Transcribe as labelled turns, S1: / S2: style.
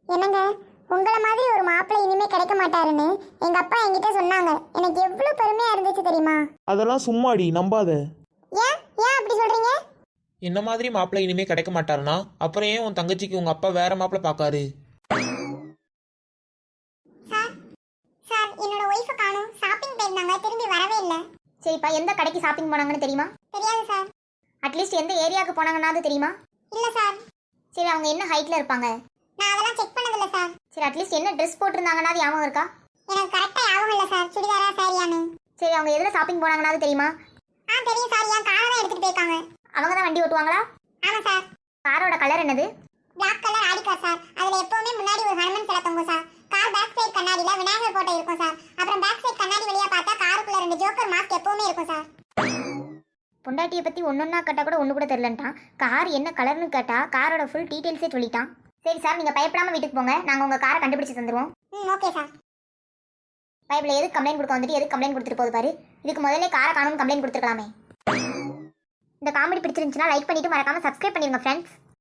S1: என்னங்க, உங்களை மாதிரி ஒரு மாப்பிள்ளை இனிமே கிடைக்க மாட்டாருன்னு எங்க அப்பா என்கிட்ட சொன்னாங்க. எனக்கு எவ்வளவு பெருமையா இருந்துச்சு தெரியுமா?
S2: அதெல்லாம் சும்மாடி, நம்பாத.
S1: ஏன் ஏன் அப்படி சொல்றீங்க?
S2: என்ன மாதிரி மாப்பிள்ளை இனிமே கிடைக்க மாட்டாருனா அப்புறம் ஏன் உன் தங்கச்சிக்கு உங்க அப்பா வேற மாப்பிள்ளை பார்க்காரு?
S1: சார் சார் என்னோட ஒய்ஃபை காணோம். ஷாப்பிங் போயிருந்தாங்க, திரும்பி வரவே இல்லை.
S3: சரிப்பா, எந்த கடைக்கு ஷாப்பிங் போனாங்கன்னு தெரியுமா?
S1: தெரியாது சார்.
S3: அட்லீஸ்ட் எந்த ஏரியாவுக்கு போனாங்கன்னாவது தெரியுமா?
S1: இல்ல சார்.
S3: சரி, அவங்க என்ன ஹைட்ல இருப்பாங்க?
S1: நான் அதெல்லாம் செக் பண்ணதில்ல சார்.
S3: சரி, அட்லீஸ்ட் என்ன ட்ரெஸ் போட்டிருந்தாங்கன்னாவது ஞாபகம் இருக்கா?
S1: எனக்கு கரெக்டா ஞாபகம் இல்ல சார். சுடிதாரா சாரியான்னு.
S3: சரி, அவங்க எதுல ஷாப்பிங் போனாங்கன்னாவது தெரியுமா?
S1: தெரியும் சார். என் காரை தான் எடுத்துட்டு போயிருக்காங்க.
S3: அவங்க தான் வண்டி ஓட்டுவாங்களா?
S1: ஆமா சார்.
S3: காரோட கலர் என்னது?
S1: Black colour Audi car sir. அதுல எப்பவுமே முன்னாடி ஒரு ஹனுமன் சிலை தொங்கும் சார். கார் பேக் சைடு கண்ணாடியில விநாயகர் போட்டோ இருக்கும் சார். அப்புறம் பேக் சைடு கண்ணாடி வழியா பார்த்தா காருக்குள்ள 2 ஜோக்கர் மாஸ்க் எப்பவுமே இருக்கும் சார்.
S3: பொண்டாட்டியை பத்தி ஒன்னொன்னா கேட்டா கூட ஒண்ணு கூட தெரியலன்ட்டான். கார் என்ன கலர்னு கேட்டா காரோட ஃபுல் டீடைல்ஸே சொல்லிட்டான். சரி சார், நீங்க பயப்படாம வீட்டுக்கு போங்க, நாங்க உங்க காரை கண்டுபிடிச்சு தந்துருவோம்.
S1: Okay sir.
S3: பைபிள் எதுக்கு கம்ப்ளைண்ட் கொடுக்க வந்துட்டு எதுக்கு கம்ப்ளைண்ட் கொடுத்துட்டு போகுது பாரு. இதுக்கு முதல்ல காரை காணும்னு கம்ப்ளைண்ட் கொடுத்துருக்கலாமே. இந்த காமெடி பிடிச்சிருந்துச்சுன்னா லைக் பண்ணிட்டு மறக்காம சப்ஸ்கிரைப் பண்ணிருங்க ஃப்ரெண்ட்ஸ்.